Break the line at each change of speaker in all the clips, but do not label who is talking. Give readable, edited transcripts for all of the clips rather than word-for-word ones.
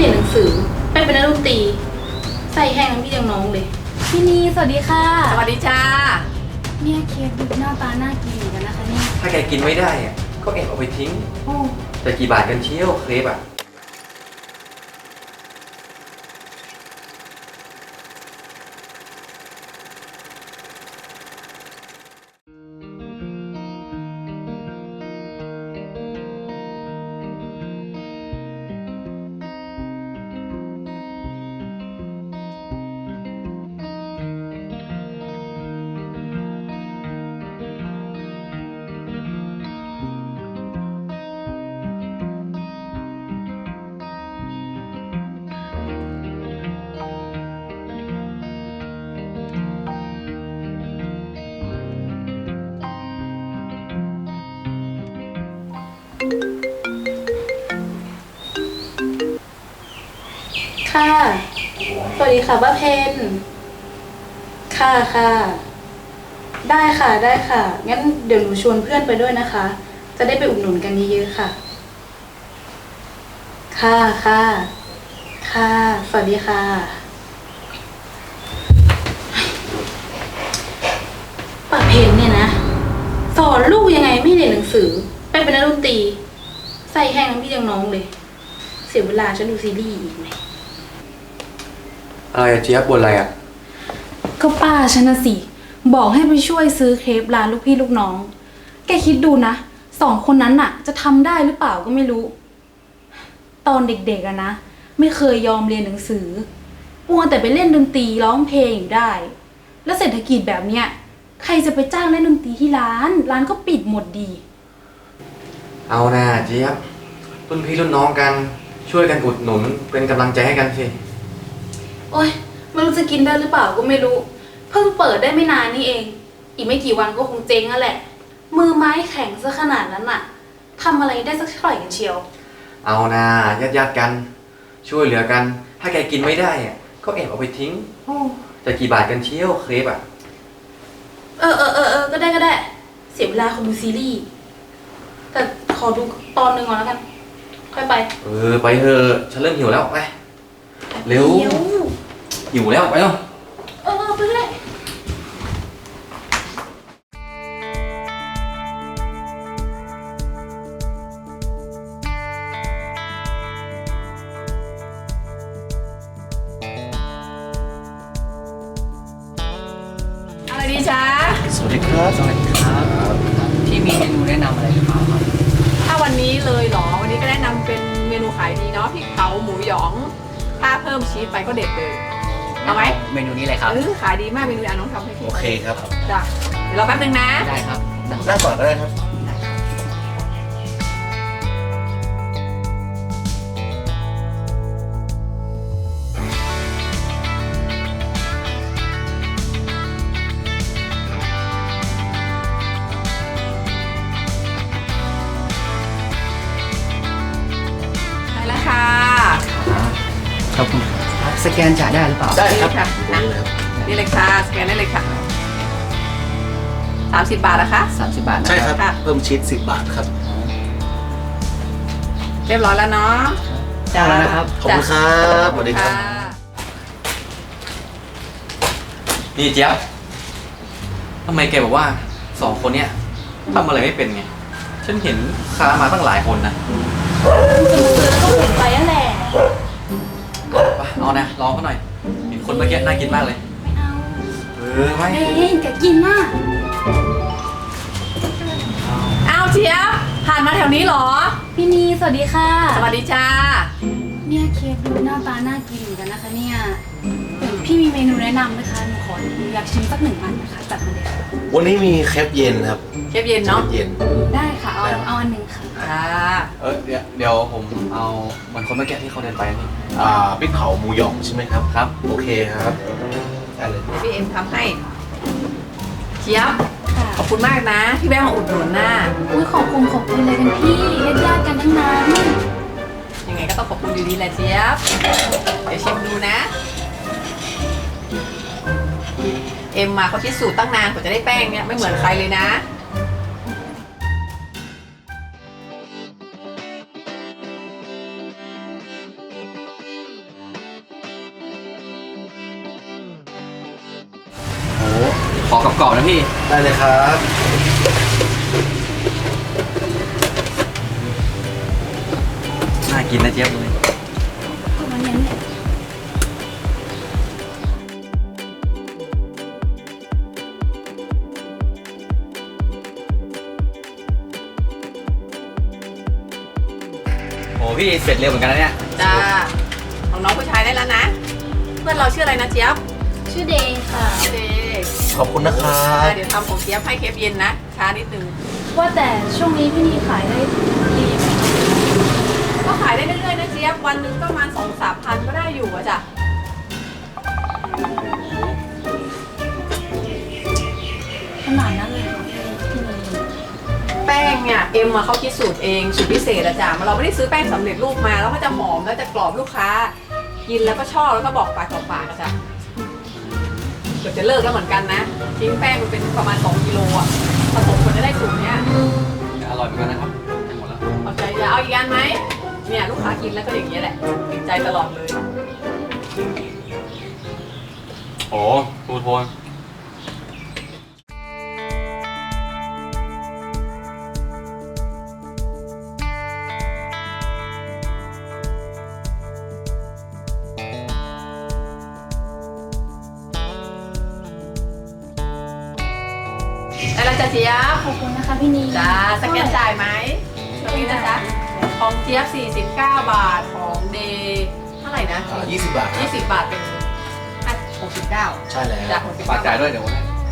ยนหนังสือไปเป็นนักดนตรีใส่แห้งทั้งพี่ยังน้องเลยพี่นีสวัสดีค่ะ
สวัสดีจ้า
เนี่ยเค้กดูหน้าตาน่ากินเหมือนกันนะคะเนี่ย
ถ้าแกกินไม่ได้อะก็แอบเอาไปทิ้งจะกี่บาทกันเชี่ยวเครปอะ
ค่ะสวัสดีค่ะป้าเพนค่ะค่ะได้ค่ะได้ค่ะงั้นเดี๋ยวหนูชวนเพื่อนไปด้วยนะคะจะได้ไปอุดหนุนกันเยอะๆค่ะค่ะค่ะค่ะสวัสดีค่ะป้าเพนเนี่ยนะสอนลูกยังไงไม่เรียนหนังสือไปเป็นนักดนตรีใส่แห้งทั้งพี่ยังน้องเลยเสียเวลาฉันดูซีรีส์อีกไหม
อะไรอะเจี๊ยบบนอะไรอะ
ก็ป้าฉันนะสิบอกให้ไปช่วยซื้อเครปร้านลูกพี่ลูกน้องแกคิดดูนะ2 คนนั้นน่ะจะทำได้หรือเปล่าก็ไม่รู้ตอนเด็กๆอะนะไม่เคยยอมเรียนหนังสือมัวแต่ไปเล่นดนตรีร้องเพลงอยู่ได้แล้วเศรษฐกิจแบบเนี้ยใครจะไปจ้างเล่นดนตรีที่ร้านก็ปิดหมดดี
เอานะเจี๊ยบรุ่นพี่รุ่นน้องกันช่วยกันอุดหนุนเป็นกำลังใจให้กันสิ
โอ๊ยไม่รู้จะกินได้หรือเปล่าก็ไม่รู้เพิ่งเปิดได้ไม่นานนี่เองอีกไม่กี่วันก็คงเจ๊งแล้วแหละมือไม้แข็งซะขนาดนั้นน่ะทำอะไรได้สักเท่าไหร่กันเชียว
เอานะญาติกันช่วยเหลือกันถ้าแกกินไม่ได้อะก็แอบเอาไปทิ้งจะกี่บาทกันเชี่ยวเครปอะ
ก็ได้เสียเวลาคนดูซีรีส์แต่ขอดูตอนหนึ่งก่อนแล้วกันค่อยไป
ไปเถอะฉันเริ่มหิวแล้วไปเร็วหิวแล้วไปเร็ว
ไปเลย
อะไรดีจ้า
สวัสดีครับสวัสดีครับ
พี่มีเมนูแนะนำอะไรหรือเปล่าครับ
ถ้าวันนี้เลยเหรอวันนี้ก็แนะนำเป็นเมนูขายดีเนาะพริกเผาหมูหยองถ้าเพิ่มชีสไปก็เด็ดเลยเอาไหม
เมนูนี้เลยครับ
ขายดีมากเมนูน้องทำให้พี่
โอเคครับ
จ้ะเดี๋ยวรอแป๊บนึงนะ
ได้ครับ
นั่งก่อนก็ได้ครับ
ได้แล้วค่ะ
ขอบคุณสแกนจ่ายได้หรือเปล่า
ได้ครับ
นี่เลยค่ะสแกนได้เลยค่ะ30 บาทนะคะ
30 บาทนะ
ใช่ครับเพิ่มชีส10 บาทครับ
เรียบร้อยแล้วเนาะ
จ้าแล้วนะครับ
ขอบคุณครับสวัสดีครับ
นี่เจี๊ยบทำไมแกบอกว่า2 คนเนี้ยทำอะไรไม่เป็นไงฉันเห็นค้ามาตั้งหลายคนนะ
ก็เห็นไปนั่นแหละ
เอานะลองเขาหน่อยเห็นคนเมื่อกี้น่ากินมากเลย
ไม่เอา
ไม่
แกกินมาก
เอาเจี๊ยบผ่านมาแถวนี้เหรอ
พี่นีสวัสดีค่ะ
สวัสดีจ้า
เนี่ยเค้กดูหน้าตาน่ากินเหมือนกันนะคะเนี่ยพี่มีเมนูแนะนำไหมคะหนูขออยากชิมสัก1 อันนะคะจัดมาเลยค่ะ
วันนี้มีเครปเย็นครับ
เครปเย็นเนาะ
เย็น
ได้ค่ะเอาอันหนึ่งค่ะ
เดี๋ยวผมเอาเหมือนคนเมื่อกี้ที่เขาเดินไปนี่
พริกเผาหมูหยองใช่ไหมครับ
ครับ
โอเคครับได้เลย
พี่เอ็มทำให้เจี๊ยบขอบคุณมากนะที่แวะมาอุดหนุนน่ะ
ขอบคุณเลยกันพี่ญาติกันทั้งนั้น
ยังไงก็ต้องขอบคุณอยู่ดีแหละเจี๊ยบเดี๋ยวชิมดูนะเอ็มมาเขาคิดสูตรตั้งนานกว่าจะได้แป้งเนี่ยไม่เหมือนใครเลยนะ
ขอกรอบๆนะพี่
ได้เลยครับ
น่ากินนะเจี๊ยบเลย
ประมาณนั้นแหละ
โอ้พี่เสร็จเร็วเหมือนกันนะเนี่ย
จ้าของน้องผู้ชายได้แล้วนะ เพื่อนเราชื่ออะไรนะเจี๊ยบ
ชื่อเดย์ค่ะ
เดย์
ขอบคุณนะครับ
เดี๋ยวทำของเจี๊ยบให้เคฟเย็นนะช้านิดนึง
ว่าแต่ช่วงนี้พี่นีขายได้ดีไหมคะ
ก็ขายได้เรื่อยๆนะเจี๊ยบวันหนึงก็ประมาณ2-3 พันก็ได้อยู่อะจ้ะ
ขนาดนั้นเลยเหรอพี่นี
แป้งเนี่ยเอ็มมาเขาคิดสูตรเองสูตรพิเศษอะจ้ะเราไม่ได้ซื้อแป้งสำเร็จรูปมาแล้วก็จะหอมแล้วจะกรอบลูกค้า กินแล้วก็ชอบแล้วก็บอกปากต่อปากอะจ้ะเกือบจะเลิกแล้วเหมือนกันนะทิ้งแป้งมันเป็นประมาณ2 กิโลอะผสมคนจะได้สูตรเนี้ย
อร่อยเหมือนกันนะครับหมดแล้ว
เอาใจจะเอาอีกอันไหมเนี่ยลูกค้ากินแล้วก็อย่างนี้ยแหละติดใจตลอดเลย
โอ้ทูโทน
ได้แล้วจ้ะเจี๊ยบ
ขอบคุณนะคะพี่นี
จ้าสแกนจ่ายไหมช่วงนี้นะจ๊ะของเจี๊ยบ49 บาทของเดย์เท่าไหร่นะ
20 บาทครับ
20 บาทเป็น69
ใช่แล้ว
จาก
ฝากจ่ายด้วยเดี๋ยว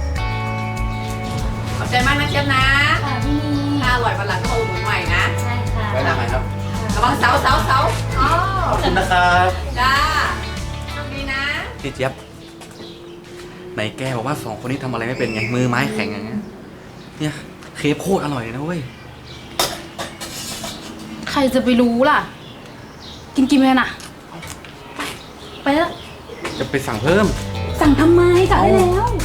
ขอบใจมากนะเจี๊ยบนะ
ค่ะพี่นี
ถ้าอร่อยวันหลังก็มาอุดหนุนใหม่นะ
ใช่ค่ะ
ไว้หน้าใหม่ครับ
ระวังเสาอ๋อ
ขอบคุณนะครับ
จ้าโชคดีนะ
พี่เจี๊ยบไหนแกบอกว่าสองคนนี้ทำอะไรไม่เป็นไงมือไม้แข็งอย่างเงี้ยเนี่ยเคฟโคตรอร่อยเลยนะเว้ย
ใครจะไปรู้ล่ะ กินไปน่ะ ไปแล้ว
จะไปสั่งเพิ่ม
สั่งทำไมสั่งได้แล้ว